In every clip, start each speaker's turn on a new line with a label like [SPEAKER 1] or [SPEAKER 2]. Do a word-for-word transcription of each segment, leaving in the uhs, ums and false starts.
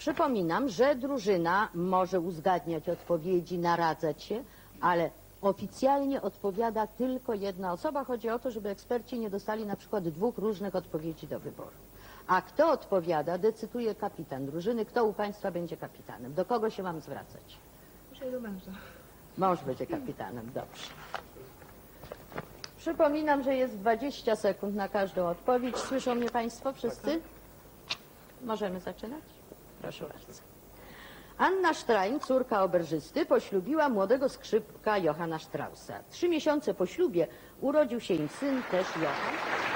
[SPEAKER 1] Przypominam, że drużyna może uzgadniać odpowiedzi, naradzać się, ale oficjalnie odpowiada tylko jedna osoba. Chodzi o to, żeby eksperci nie dostali na przykład dwóch różnych odpowiedzi do wyboru. A kto odpowiada, decyduje kapitan drużyny. Kto u Państwa będzie kapitanem? Do kogo się mam zwracać?
[SPEAKER 2] Muszę do męża.
[SPEAKER 1] Mąż będzie kapitanem, dobrze. Przypominam, że jest dwadzieścia sekund na każdą odpowiedź. Słyszą mnie Państwo wszyscy? Możemy zaczynać? Proszę bardzo. Anna Sztrajn, córka oberżysty, poślubiła młodego skrzypka Johanna Straussa. Trzy miesiące po ślubie urodził się im syn, też Johann.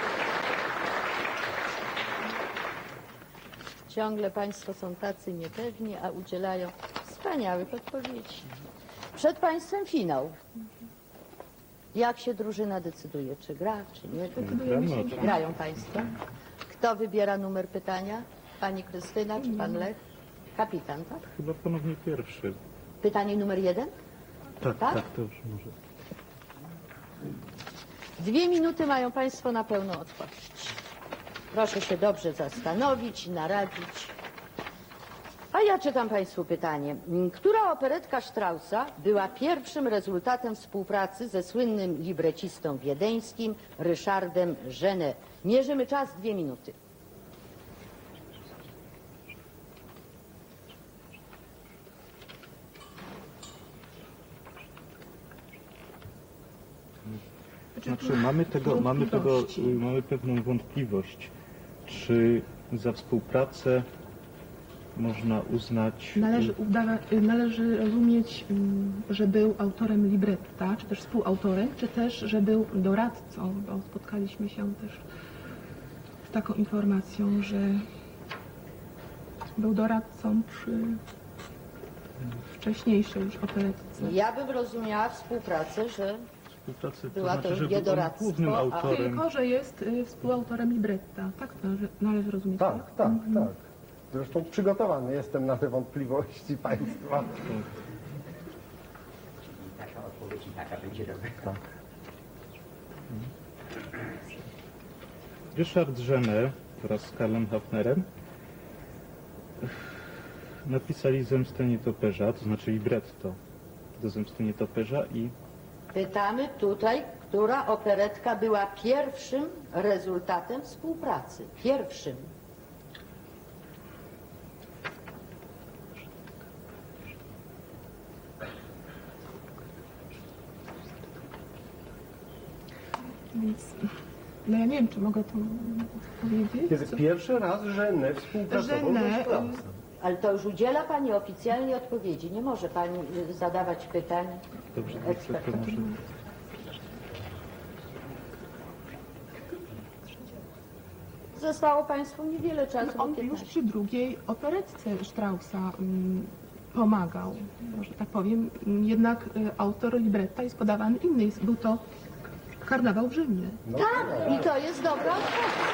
[SPEAKER 1] Ciągle Państwo są tacy niepewni, a udzielają wspaniałych odpowiedzi. Przed Państwem finał. Jak się drużyna decyduje? Czy gra, czy nie? Grają Państwo. Kto wybiera numer pytania? Pani Krystyna czy Pan Lech? Kapitan, tak?
[SPEAKER 3] Chyba ponownie pierwszy.
[SPEAKER 1] Pytanie numer jeden?
[SPEAKER 3] Tak,
[SPEAKER 1] Tak?
[SPEAKER 3] tak, to już może.
[SPEAKER 1] Dwie minuty mają Państwo na pełną odpowiedź. Proszę się dobrze zastanowić, naradzić. A ja czytam Państwu pytanie. Która operetka Straussa była pierwszym rezultatem współpracy ze słynnym librecistą wiedeńskim Ryszardem Genet? Mierzymy czas, dwie minuty.
[SPEAKER 3] Znaczy mamy tego, mamy tego, mamy pewną wątpliwość, czy za współpracę można uznać...
[SPEAKER 2] Należy, udawa, należy rozumieć, mm, że był autorem libretta, czy też współautorem, czy też, że był doradcą, bo spotkaliśmy się też z taką informacją, że był doradcą przy wcześniejszej już operetce.
[SPEAKER 1] Ja bym rozumiała współpracę, że
[SPEAKER 3] Współpracy,
[SPEAKER 1] była
[SPEAKER 3] to
[SPEAKER 1] to
[SPEAKER 3] znaczy, że
[SPEAKER 1] nie
[SPEAKER 3] był on
[SPEAKER 1] doradztwo,
[SPEAKER 3] głównym
[SPEAKER 1] a-
[SPEAKER 3] autorem.
[SPEAKER 2] Tylko, że jest y, współautorem libretta. Tak to należy, należy rozumieć.
[SPEAKER 4] Tak, tak, tak. Zresztą przygotowany jestem na te wątpliwości Państwa.
[SPEAKER 5] Taka odpowiedź i taka będzie dobra.
[SPEAKER 4] Tak.
[SPEAKER 3] Ryszard Genet wraz z Karlem Hafnerem napisali Zemstę nietoperza, to znaczy libretto do Zemsty nietoperza i
[SPEAKER 1] pytamy tutaj, która operetka była pierwszym rezultatem współpracy. Pierwszym.
[SPEAKER 2] Więc, no ja nie wiem, czy mogę to powiedzieć.
[SPEAKER 4] Kiedy
[SPEAKER 2] Co-
[SPEAKER 4] pierwszy raz Genet współpracował ze
[SPEAKER 2] Genet,
[SPEAKER 4] Straussem.
[SPEAKER 1] Ale to już udziela Pani oficjalnie odpowiedzi. Nie może Pani y, zadawać pytań
[SPEAKER 3] dobrze, to
[SPEAKER 1] ekspertom.
[SPEAKER 3] może...
[SPEAKER 1] Zostało Państwu niewiele czasu.
[SPEAKER 2] On
[SPEAKER 1] bo
[SPEAKER 2] już
[SPEAKER 1] piętnaście.
[SPEAKER 2] przy drugiej operetce Straussa mm, pomagał, że tak powiem. Jednak y, autor libretta jest podawany inny. Jest, był to Karnawał w Rzymie.
[SPEAKER 4] No,
[SPEAKER 1] Tak, i to jest dobra odpowiedź.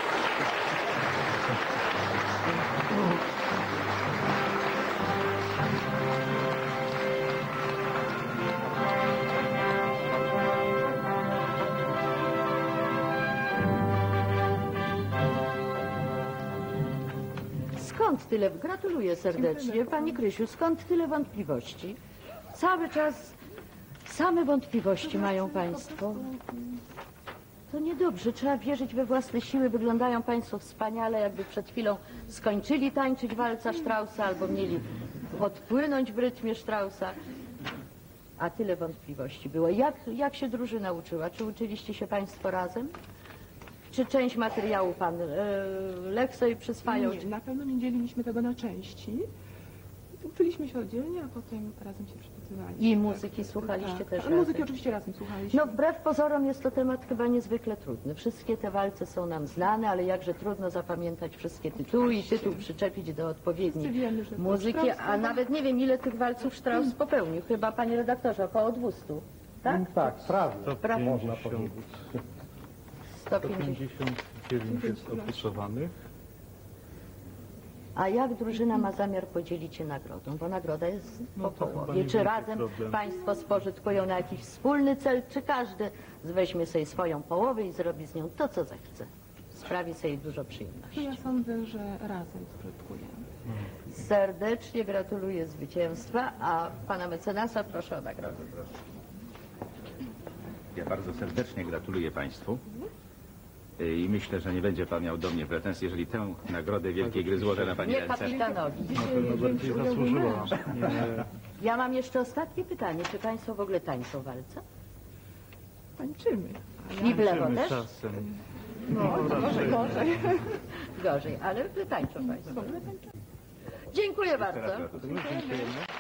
[SPEAKER 1] Skąd tyle? Gratuluję serdecznie. Pani Krysiu, skąd tyle wątpliwości? Cały czas same wątpliwości mają Państwo. To niedobrze, trzeba wierzyć we własne siły. Wyglądają Państwo wspaniale, jakby przed chwilą skończyli tańczyć walca Straussa albo mieli odpłynąć w rytmie Straussa. A tyle wątpliwości było. Jak, jak się drużyna uczyła? Czy uczyliście się Państwo razem? Czy część materiału Pan e, Lech sobie przyswajał?
[SPEAKER 2] Nie, na pewno nie dzieliliśmy tego na części. Uczyliśmy się oddzielnie, a potem razem się przypytywaliśmy.
[SPEAKER 1] I muzyki słuchaliście
[SPEAKER 2] tak,
[SPEAKER 1] też
[SPEAKER 2] tak.
[SPEAKER 1] razem?
[SPEAKER 2] Muzyki oczywiście razem słuchaliśmy.
[SPEAKER 1] No wbrew pozorom jest to temat chyba niezwykle trudny. Wszystkie te walce są nam znane, ale jakże trudno zapamiętać wszystkie tytuły i tytuł przyczepić do odpowiedniej
[SPEAKER 2] Wszyscy wiemy, że to
[SPEAKER 1] muzyki,
[SPEAKER 2] Strauss
[SPEAKER 1] a nawet nie wiem ile tych walców Strauss popełnił. Chyba, panie redaktorze, około dwieście, tak?
[SPEAKER 4] tak, prawie.
[SPEAKER 3] sto
[SPEAKER 4] Można
[SPEAKER 3] pięćdziesiąt,
[SPEAKER 4] powiedzieć.
[SPEAKER 1] sto
[SPEAKER 3] sto
[SPEAKER 1] pięćdziesiąt.
[SPEAKER 3] pięćdziesiąt dziewięć jest opisowanych.
[SPEAKER 1] A jak drużyna ma zamiar podzielić się nagrodą? Bo nagroda jest
[SPEAKER 3] No
[SPEAKER 1] po
[SPEAKER 3] to chyba
[SPEAKER 1] połowie.
[SPEAKER 3] nie
[SPEAKER 1] Czy
[SPEAKER 3] będzie
[SPEAKER 1] razem
[SPEAKER 3] problem.
[SPEAKER 1] Państwo spożytkują na jakiś wspólny cel, czy każdy weźmie sobie swoją połowę i zrobi z nią to, co zechce? Sprawi sobie dużo
[SPEAKER 2] No
[SPEAKER 1] przyjemności.
[SPEAKER 2] ja sądzę, że razem spożytkujemy.
[SPEAKER 1] Serdecznie gratuluję zwycięstwa, a pana mecenasa proszę o nagrodę.
[SPEAKER 6] Ja bardzo serdecznie gratuluję Państwu Y, i myślę, że nie będzie Pan miał do mnie pretensji, jeżeli tę nagrodę Wielkiej Gry złożę na Pani
[SPEAKER 1] Nie
[SPEAKER 6] ręce.
[SPEAKER 1] kapitanowi.
[SPEAKER 3] Na pewno bardziej zasłużyła. Nie,
[SPEAKER 1] Ja mam jeszcze ostatnie pytanie. Czy państwo w ogóle tańczą walce?
[SPEAKER 2] Tańczymy.
[SPEAKER 1] I w lewo
[SPEAKER 3] tańczymy
[SPEAKER 1] też?
[SPEAKER 3] czasem.
[SPEAKER 2] No, to może gorzej.
[SPEAKER 1] Gorzej, ale tańczą państwo. Dziękuję
[SPEAKER 6] Teraz
[SPEAKER 1] bardzo.
[SPEAKER 6] gratuluję.
[SPEAKER 3] Dziękujemy.